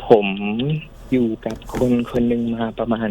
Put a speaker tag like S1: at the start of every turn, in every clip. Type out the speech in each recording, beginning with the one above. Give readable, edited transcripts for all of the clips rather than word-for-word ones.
S1: ผมอยู่กับคนหนึ่งมาประมาณ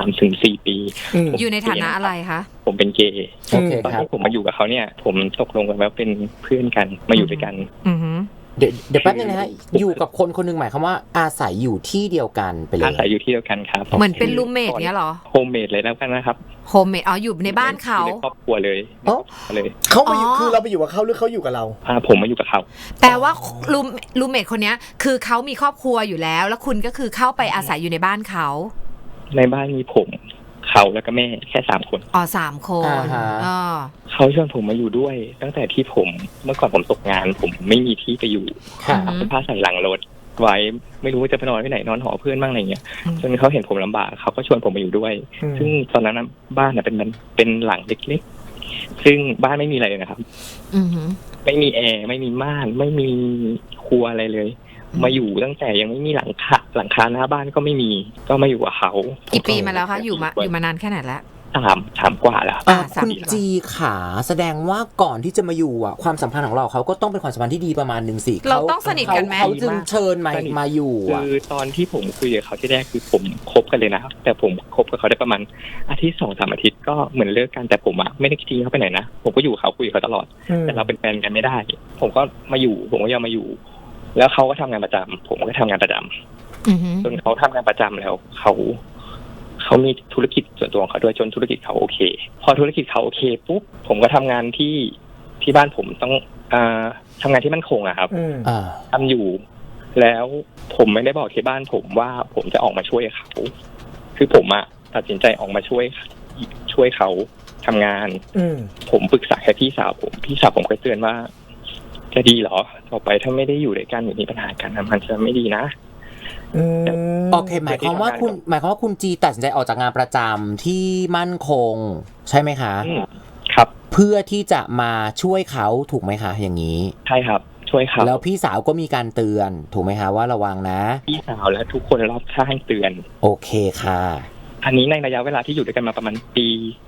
S1: 3-4 ปี
S2: อยู่ในฐานะอะไรคะ
S1: ผมเป็นเกย์ตอนที่ผมมาอยู่กับเขาเนี่ยผมตกลงกันว่าเป็นเพื่อนกันมาอยู่ด้วยกัน
S3: เดี๋ยวแป๊บนึงนะฮะอยู่กับคนหนึ่งหมายความว่าอาศัยอยู่ที่เดียวกันไปเลย
S1: อาศัยอยู่ที่เดียวกันครับ
S2: เหมือนเป็นรูมเมทเนี้ยหรอ
S1: โฮมเมทเลยแล้วกันนะครับ
S2: โฮมเมทอยู่ในบ้านเขา
S1: ครอบครัวเลย
S4: เขามาอยู่คือเราไปอยู่กับเขาหรือเขาอยู่กับเรา
S1: ผมมาอยู่กับเขา
S2: แต่ว่ารูมเมทคนนี้คือเขามีครอบครัวอยู่แล้วแล้วคุณก็คือเข้าไปอาศัยอยู่ในบ้านเขา
S1: ในบ้านมีผมเขาแล้วก็แม่แค่3 คน
S2: 3 คน
S1: เขาชวนผมมาอยู่ด้วยตั้งแต่ที่ผมเมื่อก่อนผมตกงานผมไม่มีที่ไปอยู่เอาผ้าใส่หลังรถไว้ไม่รู้ว่าจะไปนอนที่ไหนนอนหอเพื่อนบ้างอะไรเงี้ยจนเขาเห็นผมลำบากเขาก็ชวนผมมาอยู่ด้วยซึ่งตอนนั้นบ้านเป็นหลังเล็กๆซึ่งบ้านไม่มีอะไรเลยนะครับไม่มีแอร์ไม่มีม่านไม่มีครัวอะไรเลยมาอยู่ตั้งแต่ยังไม่มีหลังคาหน้าบ้านก็ไม่มีก็มาอยู่กับเขา
S2: กี่ปีมาแล้วคะอยู่มานานแค่ไหนแล้ว
S1: สามกว่าแล้ว
S3: คุณจีขาแสดงว่าก่อนที่จะมาอยู่ความสัมพันธ์ของเราเขาก็ต้องเป็นความสัมพันธ์ที่ดีประมาณนึงสิ
S2: เราต้องสนิทกันไหม
S3: เขาจึงเชิญมาอยู่
S1: คือตอนที่ผมคุยกับเขาที่แรกคือผมคบกันเลยนะครับแต่ผมคบกับเขาได้ประมาณอาทิตย์ 2-3 อาทิตย์ก็เหมือนเลิกกันแต่ผมไม่ได้ทิ้งเขาไปไหนนะผมก็อยู่เขาคุยกับเขาตลอดแต่เราเป็นแฟนกันไม่ได้ผมก็มาอยู่ผมก็ยังมาอยู่แล้วเขาก็ทำงานประจำผมก็ทำงานประจำจนเขาทำงานประจำแล้วเขามีธุรกิจส่วนตัวของเขาด้วยจนธุรกิจเขาโอเคพอธุรกิจเขาโอเคปุ๊บผมก็ทำงานที่บ้านผมต้องทำงานที่มั่นคงอะครับทำอยู่แล้วผมไม่ได้บอกที่บ้านผมว่าผมจะออกมาช่วยเขาคือผมตัดสินใจออกมาช่วยเขาทำงานผมปรึกษาแค่พี่สาวผมก็เตือนว่าจะดีเหรอต่อไปถ้าไม่ได้อยู่ด้วยกันหรือมีปัญหากันมันจะไม่ดีนะ
S3: โอเคหมายความว่าคุณจีตัดสินใจออกจากงานประจำที่มั่นคงใช่ไหมคะ
S1: ครับ
S3: เพื่อที่จะมาช่วยเขาถูกไหมคะอย่างนี้
S1: ใช่ครับช่วยเขา
S3: แล้วพี่สาวก็มีการเตือนถูกไหมคะว่าระวังนะ
S1: พี่สาวและทุกคนรอบข้างเตือน
S3: โอเคค่ะ
S1: อันนี้ในระยะเวลาที่อยู่ด้วยกันมาประมาณปี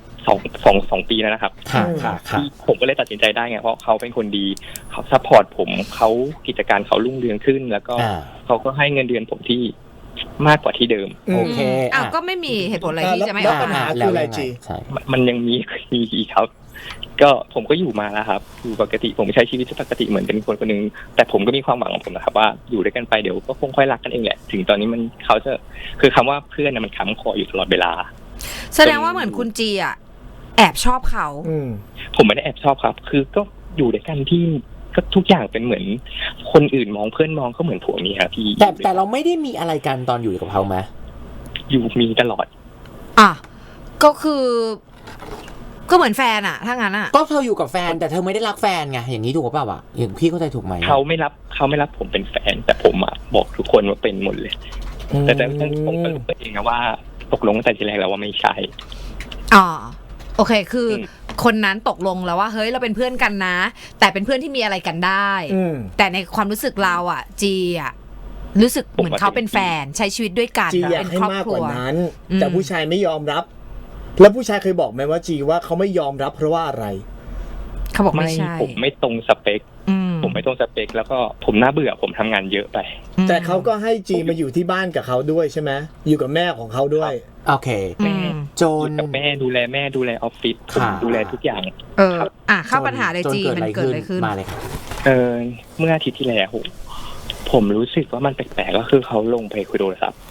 S1: 2 ปีแล้วนะครับ
S3: ที่
S1: ผมก็เลยตัดสินใจได้ไงเพราะเขาเป็นคนดีเขาซัพพอร์ตผมเขากิจการเขารุ่งเรืองขึ้นแล้วก็เขาก็ให้เงินเดือนผมที่มากกว่าที่เดิม
S3: โอเค
S2: ก็ไม่มีเหตุผลอะไรที่จะไม่ออก
S4: ปัญหาคืออะไรจี
S1: มันยังมีอีกครับก็ผมก็อยู่มาแล้วครับอยู่ปกติผมใช้ชีวิตปกติเหมือนเป็นคนนึงแต่ผมก็มีความหวังของผมนะครับว่าอยู่ด้วยกันไปเดี๋ยวก็คงค่อยรักกันเองแหละถึงตอนนี้เขาจะคือคำว่าเพื่อนมันค้ำคออยู่ตลอดเวลา
S2: แสดงว่าเหมือนคุณจีแอบชอบเขา
S1: ผมไม่ได้แอบชอบครับคือก็อยู่ด้วยกันที่ก็ทุกอย่างเป็นเหมือนคนอื่นมองเพื่อนมองก็เหมือนผัวเมียพี่
S3: แต่เราไม่ได้มีอะไรกันตอนอยู่กับเขาไหม
S1: อยู่มีตลอด
S2: ก็คือก็เหมือนแฟนถ้างั้น
S3: ก็เธออยู่กับแฟนแต่เธอไม่ได้รักแฟนไงอย่างนี้ถูกป่าวอย่างพี่เข้าใจถูกไหม
S1: เขาไม่รับผมเป็นแฟนแต่ผมบอกทุกคนว่าเป็นหมดเลยแต่ผมก็รู้เองนะว่าตกลงตั้งแต่ทีแรกแล้วว่าไม่ใช่
S2: โอเคคือคนนั้นตกลงแล้วว่าเฮ้ยเราเป็นเพื่อนกันนะแต่เป็นเพื่อนที่มีอะไรกันได้แต่ในความรู้สึกเราจีรู้สึกเหมือนเขาเป็นแฟนใช้ชีวิตด้วยกัน
S4: เป็นครอบครัวนั้นแต่ผู้ชายไม่ยอมรับแล้วผู้ชายเคยบอกไหมว่าจีว่าเขาไม่ยอมรับเพราะว่าอะไร
S2: เขาบอกไม่ใช่
S1: ผมไม่ตรงสเปคผมไม่ตรงสเปคแล้วก็ผมน่าเบื่อผมทำงานเยอะไป
S4: แต่เขาก็ให้จีมาอยู่ที่บ้านกับเขาด้วยใช่ไหมอยู่กับแม่ของเขาด้วย
S3: โอเค
S1: แม่
S3: จน
S1: กับแม่ดูแลแม่ดูแลออฟฟิศผมดูแลทุกอย่าง
S2: เข้าปัญหาเลยจีมันเกิดอะไรขึ้น
S3: มาเลยครับ
S1: เมื่ออาทิตย์ที่แล้วผมรู้สึกว่ามันแปลกๆก็คือเขาลงไปคุยโทรศัพท์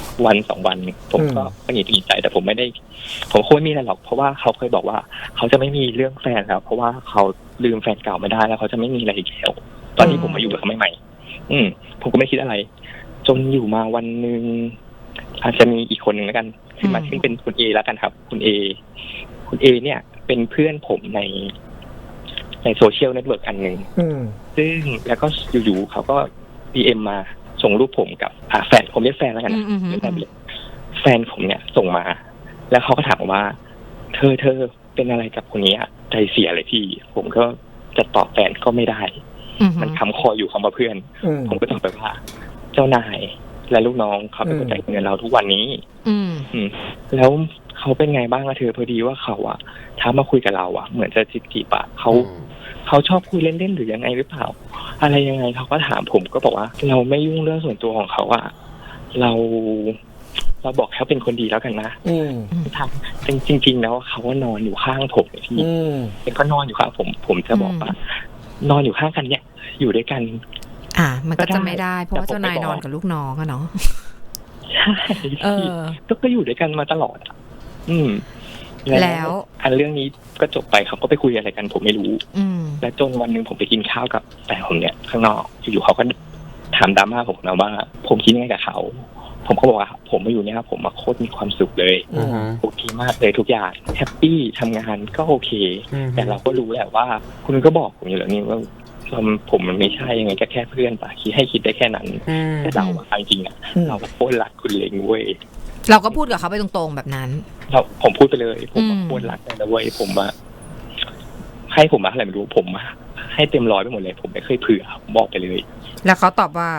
S1: 1-2 วันผมก็หงุดหงิดใจแต่ผมคงไม่มีอะไรหรอกเพราะว่าเขาเคยบอกว่าเขาจะไม่มีเรื่องแฟนครับเพราะว่าเขาลืมแฟนเก่าไม่ได้แล้วเขาจะไม่มีอะไรอีกแล้วตอนที่ผมมาอยู่กับเขาใหม่ๆผมก็ไม่คิดอะไรจนอยู่มาวันนึงอาจจะมีอีกคนนึงแล้วกันซึ่งเป็นคุณเอแล้วกันครับคุณเอเนี่ยเป็นเพื่อนผมในโซเชียลเน็ตเวิร์กอันนึงซึ่งแล้วก็อยู่ๆเขาก็ DM มาส่งรูปผมกับแฟนผมเรียกแฟนแล้วกันนะแฟนผมเนี่ยส่งมาแล้วเขาก็ถามว่าเธอเป็นอะไรกับคนนี้ใจเสียเลยพี่ผมก็จะตอบแฟนก็ไม่ได้มันค้ำคออยู่คำว่าเพื่อนผมก็ตอบไปว่าเจ้านายและลูกน้องเขาเป็นคนจ่ายเงินเราทุกวันนี้แล้วเขาเป็นไงบ้างเธอพอดีว่าเขาท้ามาคุยกับเราเหมือนจะจีบเขาชอบคุยเล่นๆหรือยังไงหรือเปล่าอะไรยังไงเขาก็ถามผมก็บอกว่าเราไม่ยุ่งเรื่องส่วนตัวของเขาเราบอกเขาเป็นคนดีแล้วกันนะทำจริงๆแล้วเขาก็นอนอยู่ข้างผมเลยพี่เป็นก็นอนอยู่ข้างผมจะบอกว่านอนอยู่ข้างกันเนี่ยอยู่ด้วยกัน
S2: มันก็จะไม่ได้เพราะว่าเจ้านายนอนกับลูกน้องอะเนาะ
S1: ใช่ก็อยู่ด้วยกันมาตลอดแล้วอันเรื่องนี้ก็จบไปเขาก็ไปคุยอะไรกันผมไม่รู้และจนวันหนึ่งผมไปกินข้าวกับแฟนผมเนี่ยข้างนอกอยู่ๆเขาก็ถามดราม่าผมนะว่าผมคิดยังไงกับเขาผมก็บอกว่าผมมาอยู่เนี่ยผมมาโคตรมีความสุขเลยโอเคมากเลยทุกอย่างแฮปปี้ทำงานก็โอเคแต่เราก็รู้แหละว่าคุณก็บอกผมอยู่แล้วนี่ว่าผมมันไม่ใช่ยังไงก็แค่เพื่อนป่ะคิดได้แค่นั้นแต่เราจริงๆอ่ะเราโคตรรักคุณเลยเว้ย
S2: เราก็พูดกับเขาไปตรงๆแบบนั้น
S1: ผมพูดไปเลยผมโคตรรักเลยนะเว้ยผมให้ผมมาอะไรไม่รู้ผมให้เต็มร้อยไปหมดเลยผมไม่เคยเผื่อบอกไปเลย
S2: แล้วเขาตอบว่า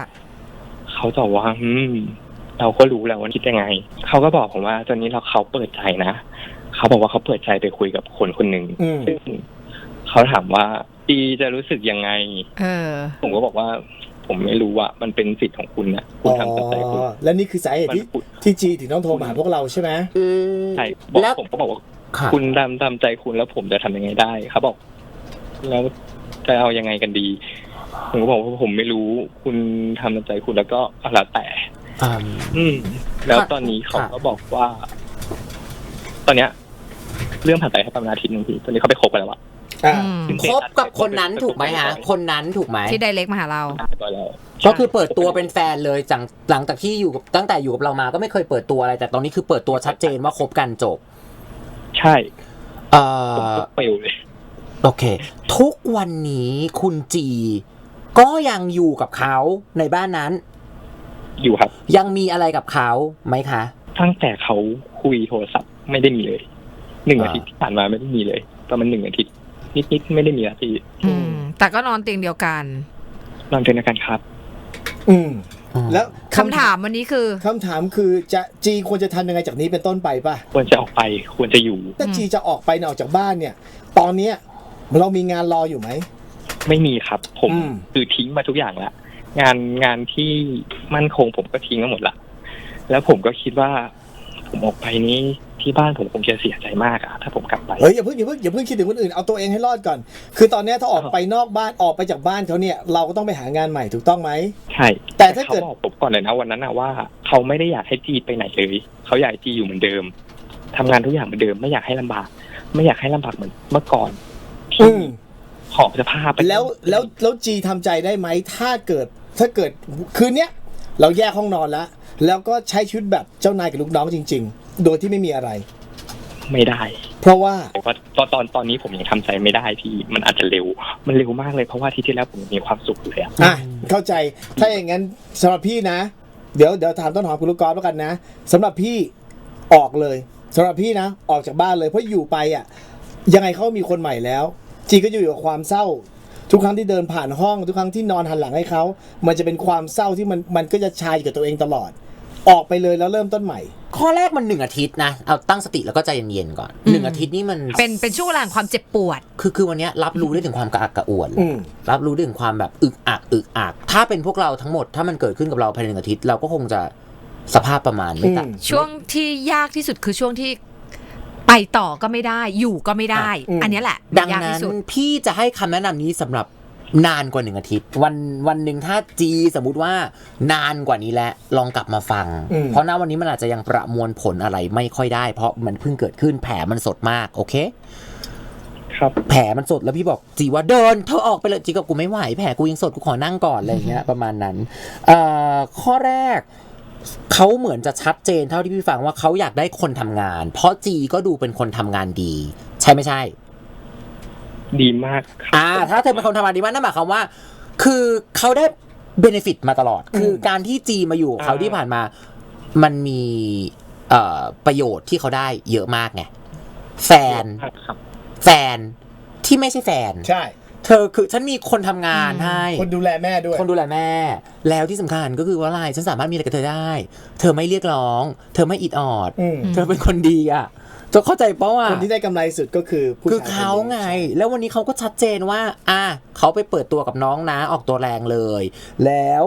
S1: เราก็รู้แล้วว่าคิดยังไงเขาก็บอกผมว่าตอนนี้เขาเปิดใจนะเขาบอกว่าเขาเปิดใจไปคุยกับคนหนึ่งซึ่งเขาถามว่าจีจะรู้สึกยังไงผมก็บอกว่าผมไม่รู้ว่ามันเป็นสิทธิ์ของคุณนะคุณทำตามใจคุณ
S4: และนี่คือสาเหตุที่จีถึงต้องโทรมาหาพวกเราใช่ไหม
S1: ใช่ผมก็บอกว่าคุณตามใจคุณแล้วผมจะทำยังไงได้เขาบอกแล้วจะเอายังไงกันดีผมก็บอกว่าผมไม่รู้คุณทำตามใจคุณแล้วก็แล้วแต่แล้วตอนนี้เขาก็บอกว่าตอนเนี้ยเรื่องผ่านไปแค่ประมาณอาทิตย์นึงพี่ตอนนี้เขาไปคบกันแล้วอะ
S3: คบกับคนนั้นถูกไหมฮะคนนั้นถูกไหม
S2: ที่ไดเรกมาหาเรา
S3: ก็คือเปิดตัวเป็นแฟนเลยหลังจากที่อยู่ตั้งแต่อยู่กับเรามาก็ไม่เคยเปิดตัวอะไรแต่ตอนนี้คือเปิดตัวชัดเจนว่าคบกันจบ
S1: ใช่เปลวเลย
S3: โอเคทุกวันนี้คุณจีก็ยังอยู่กับเขาในบ้านนั้น
S1: อยู่ครับ
S3: ยังมีอะไรกับเขาไหมคะ
S1: ตั้งแต่เขาคุยโทรศัพท์ไม่ได้มีเลย1 อาทิตย์ที่ผ่านมาไม่ได้มีเลยประมาณ1 อาทิตย์นิดไม่ได้มีอะพี่
S2: แต่ก็นอนเตียงเดียวกัน
S1: นอนเตียงเดียวกันครับ
S4: แล้ว
S2: คำถามวันนี้คือ
S4: คำถามคือจะจีควรจะทำยังไงจากนี้เป็นต้นไปป่ะ
S1: ควรจะออกไปควรจะอยู่
S4: ถ้าจีจะออกไปออกจากบ้านเนี่ยตอนเนี้ยเรามีงานรออยู่ไหม
S1: ไม่มีครับผมคือทิ้งมาทุกอย่างแล้วงานที่มั่นคงผมก็ทิ้งมาหมดละแล้วผมก็คิดว่าผมออกไปนี้ที่บ้านผมคงจะเสียใจมากอะถ้าผมกลับไป
S4: อย่าเพิ่งคิดถึงคนอื่นเอาตัวเองให้รอดก่อนคือตอนนี้ถ้าออกไปนอกบ้านออกไปจากบ้านเขาเนี่ยเราก็ต้องไปหางานใหม่ถูกต้องไหม
S1: ใช่
S4: แต่ถ้าเกิด
S1: เขาบอกผมก่อนเลยนะวันนั้นนะว่าเขาไม่ได้อยากให้จีไปไหนเลยเขาอยากจีอยู่เหมือนเดิมทำงานทุกอย่างเหมือนเดิมไม่อยากให้ลำบากไม่อยากให้ลำบากเหมือนเมื่อก่อนขอบสภาพไป
S4: แล้วจีทำใจได้ไหมถ้าเกิดคืนเนี้ยเราแยกห้องนอนแล้วก็ใช้ชีวิตแบบเจ้านายกับลูกน้องจริงๆโดยที่ไม่มีอะไร
S1: ไม่ได้
S4: เพราะว่า
S1: ตอนนี้ผมยังทำใจไม่ได้พี่มันอาจจะเร็วมากเลยเพราะว่าที่แล้วผมมีความสุขเลย
S4: เข้าใจถ้าอย่างนั้นสำหรับพี่นะเดี๋ยวถามต้นหอมคุณลูกกอล์ฟแล้วกันนะสำหรับพี่ออกเลยสำหรับพี่นะออกจากบ้านเลยเพราะอยู่ไปยังไงเขามีคนใหม่แล้วจีก็อยู่กับความเศร้าทุกครั้งที่เดินผ่านห้องทุกครั้งที่นอนหันหลังให้เขามันจะเป็นความเศร้าที่มันก็จะชายกับตัวเองตลอดออกไปเลยแล้วเริ่มต้นใหม่
S3: ข้อแรกมัน1 อาทิตย์นะเอาตั้งสติแล้วก็ใจเย็นๆก่อน1 อาทิตย์นี่มัน
S2: เป็นช่วงเวลาความเจ็บปวด
S3: คือวันนี้รับรู้ได้ถึงความกระอักกระอ่วนรับรู้ได้ถึงความแบบอึกอักถ้าเป็นพวกเราทั้งหมดถ้ามันเกิดขึ้นกับเราภายใน1 อาทิตย์เราก็คงจะสภาพประมาณไม่ต่าง
S2: ช่วงที่ยากที่สุดคือช่วงที่ไปต่อก็ไม่ได้อยู่ก็ไม่ได้อันนี้แหละ
S3: ดังนั้นพี่จะให้คำแนะนำนี้สำหรับนานกว่า1 อาทิตย์วันหนึ่งถ้าจีสมมุติว่านานกว่านี้แล้วลองกลับมาฟังเพราะณวันนี้มันอาจจะยังประมวลผลอะไรไม่ค่อยได้เพราะมันเพิ่งเกิดขึ้นแผลมันสดมากโอเค
S1: ครับ
S3: แผลมันสดแล้วพี่บอกจีว่าเดินเธอออกไปเลยจีก็กูไม่ไหวแผลกูยังสดกูขอนั่งก่อนอะไรอย่างเงี้ยประมาณนั้นข้อแรกเขาเหมือนจะชัดเจนเท่าที่พี่ฟังว่าเขาอยากได้คนทำงานเพราะจีก็ดูเป็นคนทำงานดีใช่ไม่ใช่
S1: ดีมาก
S3: ถ้าเธอเป็นคนทำงานดีมากนั่นหมายความว่าคือเขาได้เบเนฟิตมาตลอดคือการที่จีมาอยู่เขาที่ผ่านมามันมีประโยชน์ที่เขาได้เยอะมากไงแฟนที่ไม่ใช่แฟน
S4: ใช่
S3: เธอคือฉันมีคนทำงานให้
S4: คนดูแลแม่ด้วย
S3: คนดูแลแม่แล้วที่สำคัญก็คือว่าอะไรฉันสามารถมีอะไรกับเธอได้เธอไม่เรียกร้องเธอไม่อิดออดเธอเป็นคนดีจะเข้าใจเพราะว่า
S4: คนที่ได้กำไรสุดก็คือ
S3: ผู้ชายเขาไงแล้ววันนี้เขาก็ชัดเจนว่าเขาไปเปิดตัวกับน้องนะออกตัวแรงเลยแล้ว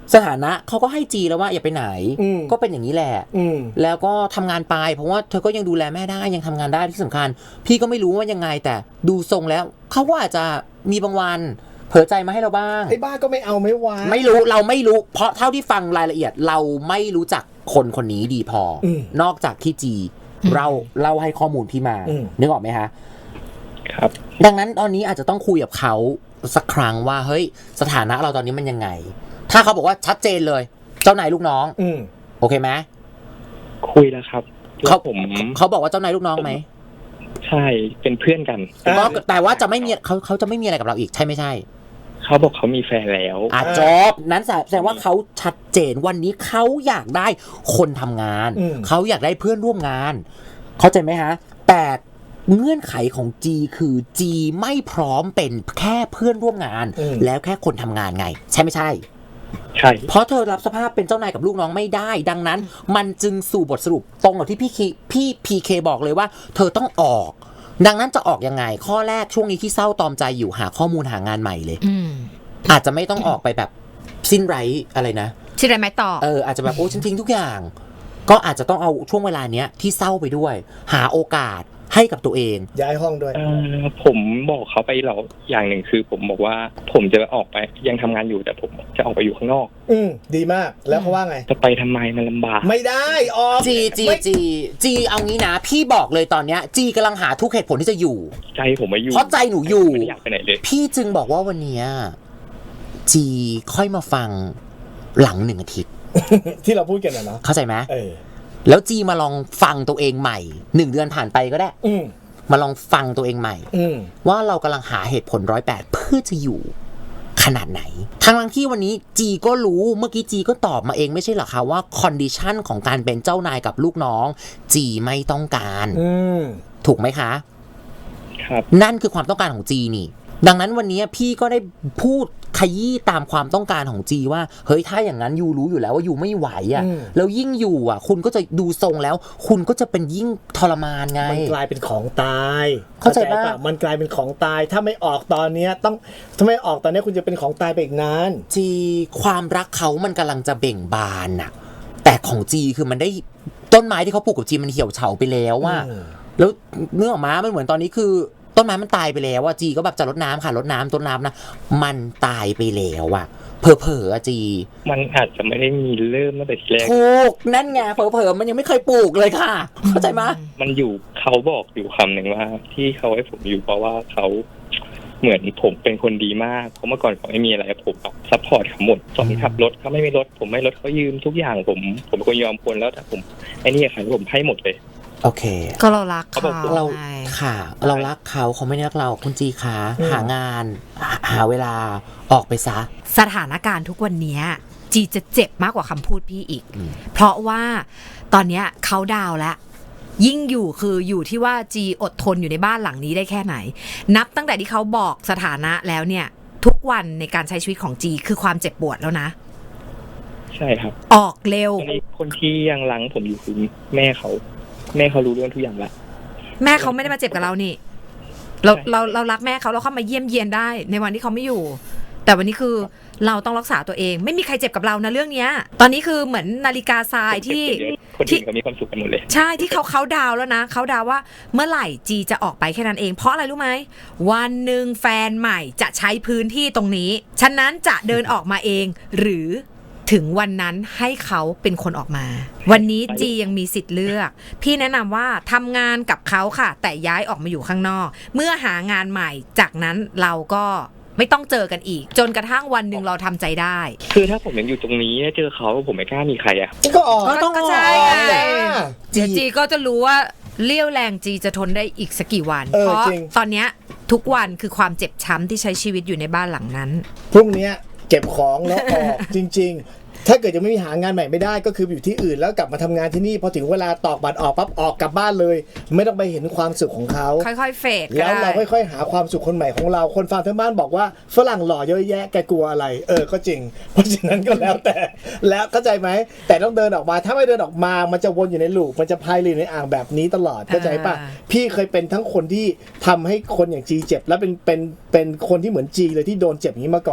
S3: สถานะเขาก็ให้จีแล้วว่าอย่าไปไหนก็เป็นอย่างนี้แหละแล้วก็ทำงานไปเพราะว่าเธอก็ยังดูแลแม่ได้ยังทำงานได้ที่สำคัญพี่ก็ไม่รู้ว่ายังไงแต่ดูทรงแล้วเขาก็อาจจะมีบางวันเผลอใจมาให้เราบ้าง
S4: ไอ้บ้าก็ไม่เอาไม่วาง
S3: ไม่รู้เราไม่รู้เพราะเท่าที่ฟังรายละเอียดเราไม่รู้จักคนคนนี้ดีพอนอกจากที่จีเราให้ข้อมูลพี่มานึกออกไหมคะ
S1: ครับ
S3: ดังนั้นตอนนี้อาจจะต้องคุยกับเขาสักครั้งว่าเฮ้ยสถานะเราตอนนี้มันยังไงถ้าเขาบอกว่าชัดเจนเลยเจ้านายลูกน้องโอเคไหม
S1: คุยแล้วครับ
S3: เขาบอกว่าเจ้านายลูกน้องไหม
S1: ใช่เป็นเพื่อนกัน
S3: ก็แต่ว่าจะไม่มีเขาจะไม่มีอะไรกับเราอีกใช่ไม่ใช่
S1: เขาบอกเขามีแฟนแล้ว
S3: จบนั้นแสดงว่าเขาชัดเจนวันนี้เขาอยากได้คนทำงานเขาอยากได้เพื่อนร่วมงานเข้าใจไหมฮะแต่เงื่อนไขของ G คือ G ไม่พร้อมเป็นแค่เพื่อนร่วมงานแล้วแค่คนทำงานไงใช่ไม่ใช่
S1: ใช่
S3: เพราะเธอรับสภาพเป็นเจ้านายกับลูกน้องไม่ได้ดังนั้นมันจึงสู่บทสรุปตรงกับที่พี่PKบอกเลยว่าเธอต้องออกดังนั้นจะออกยังไงข้อแรกช่วงนี้ที่เศร้าตอมใจอยู่หาข้อมูลหางานใหม่เลยอาจจะไม่ต้องออกไปแบบสิ้นไร้อะไรนะ
S2: สิ้นไร้ไม้ต่อ
S3: อาจจะแบบโอ้ฉันทิ้งทุกอย่างก็อาจจะต้องเอาช่วงเวลาเนี้ยที่เศร้าไปด้วยหาโอกาสให้กับตัวเอง
S4: ย้ายห้องด้วย
S1: ผมบอกเขาไปแล้วอย่างหนึ่งคือผมบอกว่าผมจะออกไปยังทำงานอยู่แต่ผมจะออกไปอยู่ข้างนอก
S4: ดีมากแล้วเขาว่าไง
S1: จะไปทำไมมันลำบาก
S4: ไม่ได้ออก
S3: จีเอางี้นะพี่บอกเลยตอนเนี้ยจีกำลังหาทุกเหตุผลที่จะอยู่
S1: ใจผมไม่อยู่
S3: เพราะใจหนูอยู่
S1: ไม่อยากไปไหนเลย
S3: พี่จึงบอกว่าวันนี้จีค่อยมาฟังหลัง1 อาทิตย์
S4: ที่เราพูดกันนะเนาะ
S3: เข้าใจไหมแล้วจีมาลองฟังตัวเองใหม่1 เดือนผ่านไปก็ได้มาลองฟังตัวเองใหม่ว่าเรากำลังหาเหตุผล108เพื่อจะอยู่ขนาดไหนทั้งที่วันนี้จีก็รู้เมื่อกี้จีก็ตอบมาเองไม่ใช่หรอคะว่าคอนดิชันของการเป็นเจ้านายกับลูกน้องจีไม่ต้องการถูกไหมคะ
S1: ครับ
S3: นั่นคือความต้องการของจีนี่ดังนั้นวันนี้พี่ก็ได้พูดขยี้ตามความต้องการของจีว่าเฮ้ยถ้าอย่างนั้นยูรู้อยู่แล้วว่ายูไม่ไหวอ่ะแล้วยิ่งอยู่อ่ะคุณก็จะดูทรงแล้วคุณก็จะเป็นยิ่งทรมานไง
S4: มันกลายเป็นของตาย
S3: เข้าใจป่ะ
S4: มันกลายเป็นของตายถ้าไม่ออกตอนนี้ถ้าไม่ออกตอนนี้คุณจะเป็นของตายไปอีกนาน
S3: จีความรักเขามันกำลังจะเบ่งบานน่ะแต่ของจีคือมันได้ต้นไม้ที่เขาปลูกกับจีมันเหี่ยวเฉาไปแล้วอ่ะแล้วเนื้อออกมามันเหมือนตอนนี้คือต้นไม้มันตายไปแล้วอ่ะจีก็แบบจะรดน้ำค่ะรดน้ำต้นน้ำนะมันตายไปแล้วอ่ะเผลอๆอ่ะจี
S1: มันอาจจะไม่ได้มีเริ่มตั้งแต่ทีแรก
S3: ปลูกนั่นไงเผลอๆมันยังไม่เคยปลูกเลยค่ะเข้าใจไหม
S1: มันอยู่เขาบอกอยู่คำหนึ่งว่าที่เขาให้ผมอยู่เพราะว่าเขาเหมือนผมเป็นคนดีมากเพราะเมื่อก่อนเขาไม่มีอะไรผมแบบซัพพอร์ตเขาหมดตอนขับรถเขาไม่มีรถผมไม่รถเขายืมทุกอย่างผมเป็นคนยอมคนแล้วแต่ผมไอ้นี่ค่ะผมให้หมดเลย
S3: โอเค
S2: ก็เรารักเขา
S3: เราค่ะเรารักเขาไม่ได้รักเราคุณจีคะหางานหาเวลาออกไปซะ
S2: สถานการณ์ทุกวันนี้จีจะเจ็บมากกว่าคำพูดพี่อีกเพราะว่าตอนนี้เขาดาวแล้วยิ่งอยู่คืออยู่ที่ว่าจีอดทนอยู่ในบ้านหลังนี้ได้แค่ไหนนับตั้งแต่ที่เขาบอกสถานะแล้วเนี่ยทุกวันในการใช้ชีวิตของจีคือความเจ็บปวดแล้วนะ
S1: ใช่ครับ
S2: ออกเร็ว
S1: คนที่ยังรังผมอยู่คือแม่เขารู้เรื่องทุกอย่างละ
S2: แม่เขาไม่ได้มาเจ็บกับเรานี่เรารักแม่เขาเราเข้ามาเยี่ยมเยียนได้ในวันที่เขาไม่อยู่แต่วันนี้คือเราต้องรักษาตัวเองไม่มีใครเจ็บกับเรานะเรื่องนี้ตอนนี้คือเหมือนนาฬิกาทรายที่
S1: คนอื่นเขามีความสุขกันหมดเลย
S2: ใช่ที่เขาดาวแล้วนะเขาดาวว่าเมื่อไหร่จีจะออกไปแค่นั้นเองเพราะอะไรรู้ไหมวันหนึ่งแฟนใหม่จะใช้พื้นที่ตรงนี้ฉะนั้นจะเดินออกมาเองหรือถึงวันนั้นให้เขาเป็นคนออกมาวันนี้จียังมีสิทธิ์เลือกพี่แนะนำว่าทำงานกับเขาค่ะแต่ย้ายออกมาอยู่ข้างนอกเมื่อหางานใหม่จากนั้นเราก็ไม่ต้องเจอกันอีกจนกระทั่งวันหนึ่งเราทำใจได้
S1: คือถ้าผมยังอยู่ตรงนี้เจอเขาผมไม่กล้ามีใครอ่ะ
S4: ก็ออก
S2: ก็ใช่จีก็จะรู้ว่าเลี้ยวแรงจีจะทนได้อีกสักกี่วันเพราะตอนนี้ทุกวันคือความเจ็บช้ำที่ใช้ชีวิตอยู่ในบ้านหลังนั้น
S4: พรุ่งนี้เก็บของแล้วออกจริงๆถ้าเกิดยังไม่มีหางานใหม่ไม่ได้ก็คืออยู่ที่อื่นแล้วกลับมาทำงานที่นี่พอถึงเวลาตอกบัตรออกปั๊บออกกลับบ้านเลยไม่ต้องไปเห็นความสุขของเขา
S2: ค่อยๆเฟด
S4: แล้วเราค่อยๆหาความสุขคนใหม่ของเราคนฟังทั้งบ้านบอกว่าฝรั่งหล่อเยอะแยะแกกลัวอะไรก็จริงเพราะฉะนั้นก็แล้วแต่แล้วเข้าใจไหมแต่ต้องเดินออกมาถ้าไม่เดินออกมามันจะวนอยู่ในลูปมันจะพายเรือในอ่างแบบนี้ตลอดเข้าใจป่ะพี่เคยเป็นทั้งคนที่ทำให้คนอย่างจีเจ็บแล้วเป็นคนที่เหมือนจีเลยที่โดนเจ็บอย่างนี้มาก่อน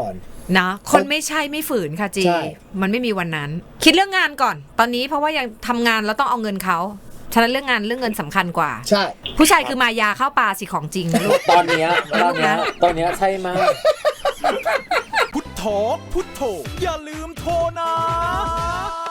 S2: นะคนไม่ใช่ไม่ฝืนค่ะจี
S4: ใช่
S2: มันไม่มีวันนั้น คิดเรื่องงานก่อน ตอนนี้เพราะว่ายังทำงานแล้วต้องเอาเงินเขาฉะนั้นเรื่องงานเรื่องเงินสำคัญกว่า
S4: ใช่
S2: ผู้ชายคือมายาเข้าปลาสิของจริงนะลูก
S3: ตอนเนี้ยใช่มาก
S5: พุทโธพุทโธอย่าลืมโทรนะ